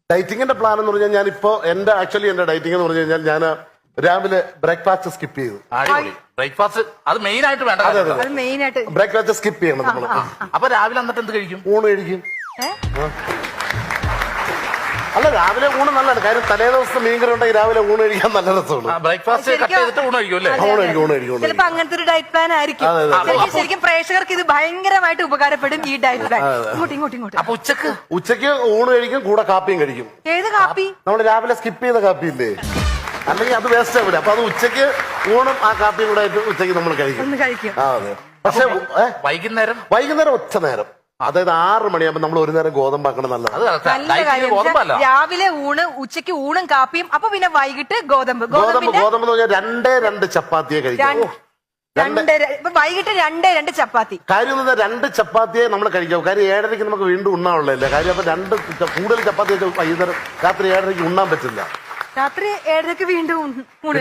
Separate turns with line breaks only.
ഡയറ്റിങ്ങിന്റെ plan എന്ന് പറഞ്ഞാൽ ഞാനിപ്പോ എന്റെ ഡയറ്റിംഗ് എന്ന് പറഞ്ഞു കഴിഞ്ഞാൽ ഞാൻ രാവിലെ ബ്രേക്ക്ഫാസ്റ്റ് സ്കിപ്പ് ചെയ്തു.
ബ്രേക്ക്ഫാസ്റ്റ് അത് മെയിൻ ആയിട്ട് വേണ്ട.
അത് മെയിൻ ആയിട്ട്
ബ്രേക്ക്ഫാസ്റ്റ് സ്കിപ്പ് ചെയ്യണം നമ്മൾ.
അപ്പൊ രാവിലെ എന്നിട്ട് എന്ത് കഴിക്കും?
ഊണ് കഴിക്കും. അല്ല, രാവിലെ ഊണ് നല്ലതാണ്. കാര്യം തലേ ദിവസത്തെ മീൻകറി ഉണ്ടെങ്കിൽ രാവിലെ ഊണ് കഴിക്കാൻ നല്ല രസമാണ്.
ബ്രേക്ക്ഫാസ്റ്റ് കട്ട് ചെയ്തിട്ട് ഊണ് കഴിക്കും അല്ലേ?
ഊണ് കഴിക്കും.
ചിലപ്പോ അങ്ങനത്തെ ഒരു ഡയറ്റ് പ്ലാൻ ആയിരിക്കും. ശരിക്കും പ്രേക്ഷകർക്ക് ഇത് ഭയങ്കരമായിട്ട് ഉപകാരപ്പെടും ഈ ഡയറ്റ് പ്ലാൻ. ഇങ്ങോട്ട്
അപ്പൊ
ഉച്ചക്ക് ഊണ് കഴിക്കും, കൂടെ കാപ്പിയും കഴിക്കും.
ഏത് കാപ്പി?
നമ്മൾ രാവിലെ സ്കിപ്പ് ചെയ്ത കാപ്പി ഇല്ലേ, അല്ലെങ്കിൽ അത് വേസ്റ്റ് ആവില്ല. അപ്പൊ അത് ഉച്ചക്ക് ഊണും ആ കാപ്പിയും കൂടെ ആയിട്ട് ഉച്ചക്ക് നമ്മൾ കഴിക്കും. അതെ. പക്ഷെ വൈകുന്നേരം ഒറ്റ നേരം, അതായത് 6 മണിയാകുമ്പോ നമ്മൾ ഒരു നേരം ഗോതമ്പാക്കണം. നല്ലതാണ്.
രാവിലെ ഊണ്, ഉച്ചക്ക് ഊണും കാപ്പിയും, അപ്പൊ പിന്നെ വൈകിട്ട് ഗോതമ്പ്
എന്ന് പറഞ്ഞാൽ 2 ചപ്പാത്തിയെ കഴിക്കാം.
വൈകിട്ട് 2 ചപ്പാത്തി.
കാര്യം 2 ചപ്പാത്തിയെ നമ്മൾ കഴിക്കാം. കാര്യം 7:30 നമുക്ക് വീണ്ടും ഉണ്ണാനുള്ളതല്ലേ. കാര്യം അപ്പൊ കൂടുതൽ ചപ്പാത്തി വൈകുന്നേരം രാത്രി 7:30 ഉണ്ണാൻ പറ്റില്ല.
രാത്രി 7:30 വീണ്ടും